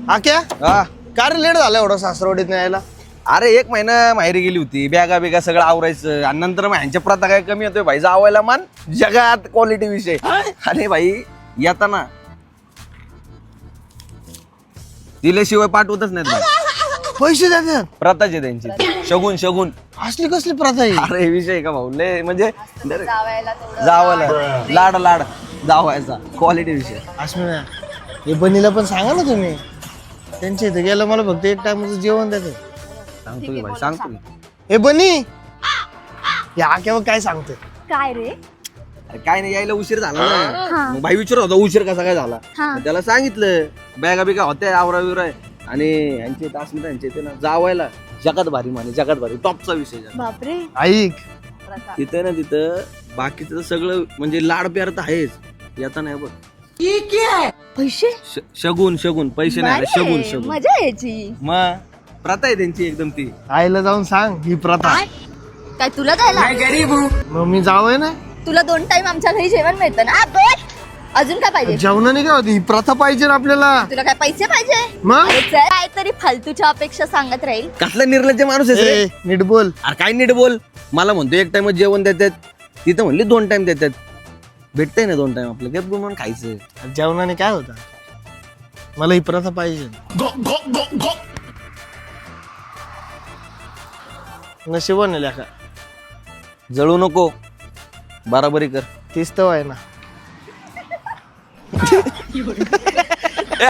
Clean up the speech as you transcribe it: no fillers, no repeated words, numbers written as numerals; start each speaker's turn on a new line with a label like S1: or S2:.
S1: आक्या
S2: हा
S1: का रे लेट झाला एवढा सासरवाडीत नाही यायला?
S2: अरे 1 महिना माहेरी गेली होती, बॅगा बिगा सगळं आवरायचं आणि नंतर मग ह्यांच्या प्रथा काय कमी होतोय भाई, जावायला मान जगात क्वालिटी विषय. अरे भाई येताना दिल्याशिवाय पाठवतच नाहीत भाई.
S1: पैसे देतात?
S2: प्रथाच आहे त्यांची, शगुन शगुन.
S1: असली कसली प्रथा आहे?
S2: अरे विषय का भाऊ, लय म्हणजे
S3: जावायला तेवढं
S2: जावायला लाड लाड जावायचा क्वालिटी विषय.
S1: अस्मिना हे बनीला पण सांगा ना तुम्ही, त्यांच्या इथे गेलं मला फक्त एक टाइमचं जेवण देते.
S2: सांगतो की भाई, सांगतो की.
S1: हे बनी या आक्यावर काय सांगते?
S3: काय रे?
S2: अरे काय नाही, यायला उशीर झाला ना. मग भाई विचारत होता उशीर कसा काय झाला. मग त्याला सांगितलं बॅगा बिगा होत्या आवरा बिवरा आणि यांचे तासमिता यांचे ते ना जावायला जगात भारी माने, जगात भारी टॉपचा विषय झाला.
S3: बापरे.
S1: ऐक
S2: तिथं ना तिथं बाकीचं तर सगळं म्हणजे लाड प्यार तर आहेच, येता नाही बघ.
S3: पैसे
S2: शगुन शगुन, पैसे नाही आले, शगुन
S3: बारे,
S2: शगुन.
S3: मजा यायची.
S2: मग प्रथा आहे त्यांची एकदम ती.
S1: आईला जाऊन सांग ही प्रथा.
S3: काय तुला जायला
S1: मग मी जावंय ना,
S3: तुला 2 टाइम आमच्या घरी जेवण मिळतं ना. अजून काय पाहिजे
S1: जेवणाने काय होती? ही प्रथा पाहिजे ना आपल्याला.
S3: तुला? काय पैसे पाहिजे?
S1: मग
S3: अरे चल, काहीतरी फालतूच्या अपेक्षा सांगत राहील.
S2: कसला निर्लज्ज माणूस आहे रे.
S1: ए, नीट बोल.
S2: अरे काय नीट बोल. मला म्हणतो 1 टाइम जेवण देतात, तिथं म्हणली 2 टाइम देतात. भेटतंय ना 2 टाइम आपलं, गप म्हणून खायचं.
S1: जेवणाने काय होतं? मला ही प्रथा पाहिजे. नशिबाने लेखा
S2: जळू नको, बराबरी कर.
S1: तीच तर आहे ना.